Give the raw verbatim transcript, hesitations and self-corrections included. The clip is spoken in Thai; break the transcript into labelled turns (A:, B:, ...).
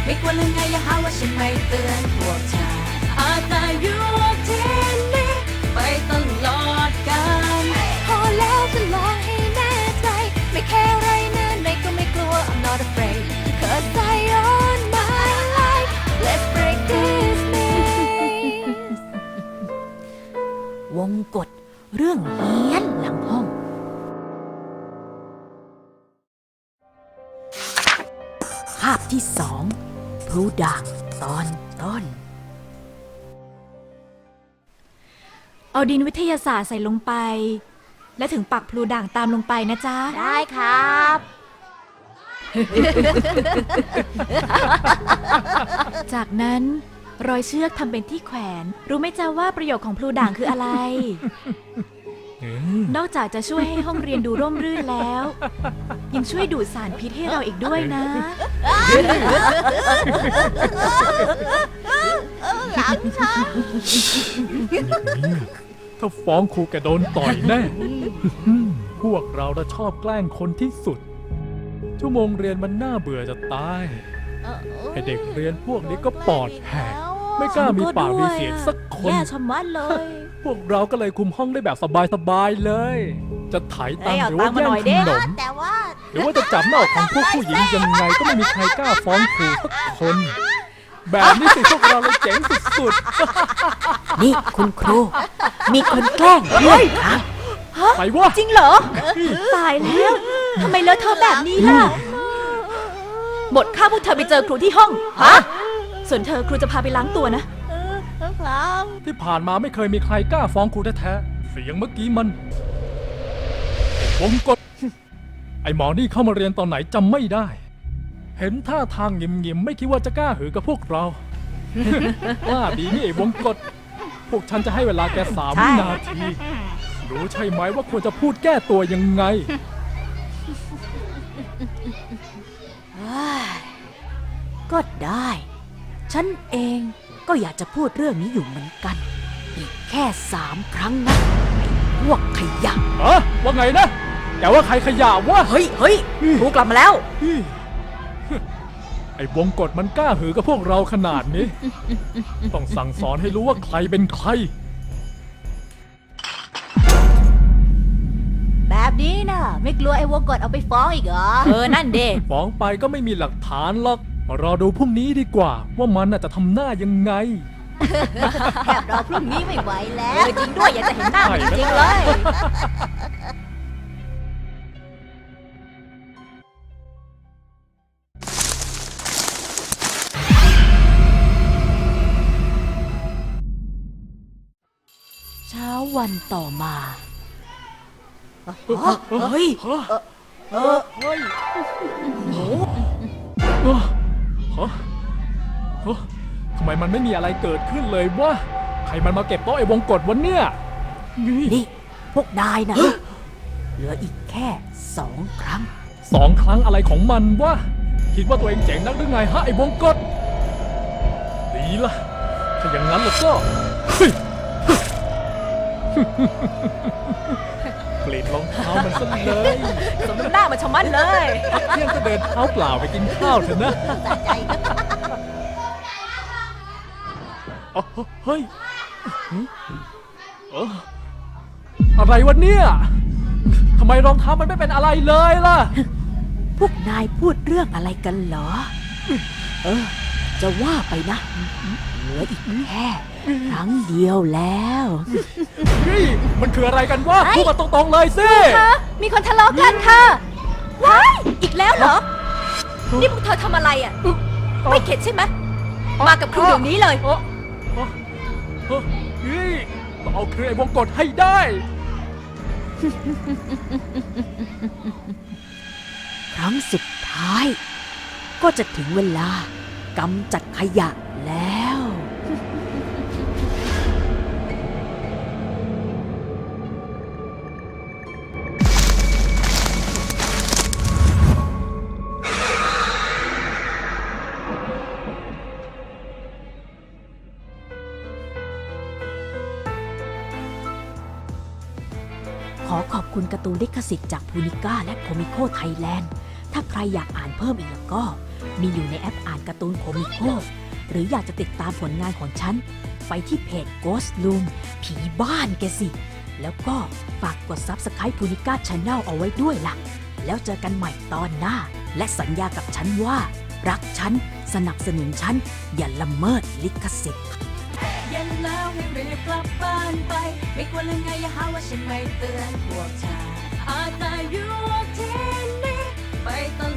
A: ไม่ควรลืมไงอย่าหาว่าฉันไม่เตือนพวกเธออาจจะอยู่ที่นี่ไปตลอดกาลพอแล้วจะลองให้แน่ใจไม่แค่ไรนะไหนก็ไม่กลัว I'm not afraid cause I own my life let's break this maze
B: วงกฎเรื่องเฮี้ยนหลังห้องภาพที่สองพลูด่างตอนต้นเอาดินวิทยาศาสตร์ใส่ลงไปและถึงปักพลูด่างตามลงไปนะจ๊ะ
A: ได้ครับ
B: จากนั้นรอยเชือกทำเป็นที่แขวนรู้ไหมจ๊ะว่าประโยชน์ของพลูด่างคืออะไร นอกจากจะช่วยให้ห้องเรียนดูร่มรื่นแล้วยังช่วยดูดสารพิษให้เราอีกด้วยนะ
A: หลังฉัน
C: ถ้าฟ้องครูแกโดนต่อยแน่ พวกเราน่ะชอบแกล้งคนที่สุด ชั่วโมงเรียนมันน่าเบื่อจะตายให้เด็กเรียนพวกนี้ก็ปอดแหกไม่กล้ามีปากมีเสียงสักคน
B: แย่ชะมัดเลย
C: พวกเราก็เลยคุมห้องได้แบบสบายๆเลย จะไถตังค์หรือว่าแย่งขนม
A: แต่ว่า
C: หรือว่าจะจับหน้าอกของพวกผู้หญิงยังไงก็ไม่มีใครกล้าฟ้องครูสักคน แบบนี้สิพวกเราเลยเจ๋งสุดๆ
B: นี่คุณครู มีคนแกล้งด้วยครับ
C: ไปวะ
B: จริงเหรอ ตายแล้วทำไมเลอะเทอะแบบนี้ล่ะหมดค่าพวกเธอไปเจอครูที่ห้องฮะส่วนเธอครูจะพาไปล้างตัวนะ
A: ครับ
C: ที่ผ่านมาไม่เคยมีใครกล้าฟ้องครูแท้ๆเสียงเมื่อกี้มันวงกฎไอหมอนี่เข้ามาเรียนตอนไหนจำไม่ได้ เห็นท่าทางหงิมๆไม่คิดว่าจะกล้าหือกับพวกเรา กล้าดีนี่ไอวงกฎพวกฉันจะให้เวลาแกสามวินาทีรู้ใช่ไหมว่าควรจะพูดแก้ตัวยังไง
B: ก็ได้ ฉันเองก็อยากจะพูดเรื่องนี้อยู่เหมือนกัน อีกแค่สามครั้งนะไอ้พวกขยะ
C: เอะว่าไงนะแกว่าใครขยะวะ
B: เฮ้ยเฮ้ยครูกลับมาแล้ว
C: ไอ้วงกฎมันกล้าหือกับพวกเราขนาดนี้ ต้องสั่งสอนให้รู้ว่าใครเป็นใคร
A: แบบนี้นะไม่กลัวไอ้วงกฎเอาไปฟ้องอีกเหรอ
B: เออ นั่นเด็ก
C: ฟ้องไปก็ไม่มีหลักฐานหรอกมารอดูพรุ่งนี้ดีกว่า ว่ามันน่ะจะทำหน้ายังไง
A: แอบรอพรุ่งนี้ไม่ไหวแล้
B: เอ
A: ว
B: อจริงด้วยอยากจะเห็นหน้ามันจริงๆเลย เช้าวันต่อมาเฮ้ย
C: ฮะ
B: เออเฮ้ยโอ้
C: เออฮะฮะทำไมมันไม่มีอะไรเกิดขึ้นเลยวะใครมันมาเก็บโต๊ะไอ้วงกฎวันเนี่ย
B: นี่ พวกนายนะเหลืออีกแค่สองครั้ง
C: สองครั้งอะไรของมันวะคิดว่าตัวเองเจ๋งนักหรือไงฮะไอ้วงกฎดีละถ้าอย่างนั้นแล้วก็เฮ้ยกรีดรองเท้ามันซะเลย
B: สมน้ำหน้ามาชะมัดเลย
C: เที่ยงก็เดินเท้าเปล่าไปกินข้าวเถอะนะอ๋อเฮ้ยเอ้ออะไรวะเนี่ยทำไมรองเท้ามันไม่เป็นอะไรเลยล่ะ
B: พวกนายพูดเรื่องอะไรกันเหรอ เออ จะว่าไปนะ เหลืออีกแค่ครั้งเดียวแล้ว
C: เฮ้ยมันคืออะไรกันวะพูดมาตรงๆเลยสิ
B: มีคนทะเลาะกันค่ะ ว้าย อีกแล้วเหรอ นี่พวกเธอทำอะไรอ่ะ ไม่เข็ดใช่ไหม มากับครูเดี๋ยวนี้เลย
C: เอ้อเอ้อเอ้อเฮ้ยต้องเอาเครือไอ้วงกฎให้ได้
B: ครั้งสุดท้าย ก็จะถึงเวลากำจัดขยะแล้ว ขอขอบคุณการ์ตูนลิขสิทธิ์จากพูนิก้าและโคมิโคไทยแลนด์ถ้าใครอยากอ่านเพิ่มอีกแล้วก็ มีอยู่ในแอปอ่านการ์ตูนโคมิโคหรืออยากจะติดตามผลงานของฉัน ไปที่เพจ Ghost Room ผีบ้านแกสิ แล้วก็ฝากกด Subscribe พูนิก้า Channel เอาไว้ด้วยล่ะ แล้วเจอกันใหม่ตอนหน้า และสัญญากับฉันว่า รักฉัน สนับสนุนฉัน อย่าละเมิดลิขสิทธิ์
A: เย็นแล้วให้รีบกลับบ้านไป ไม่ควรเลยไงอย่าหาว่าฉันไม่เตือนพวกเธออาจจะอยู่ที่นี่ไปต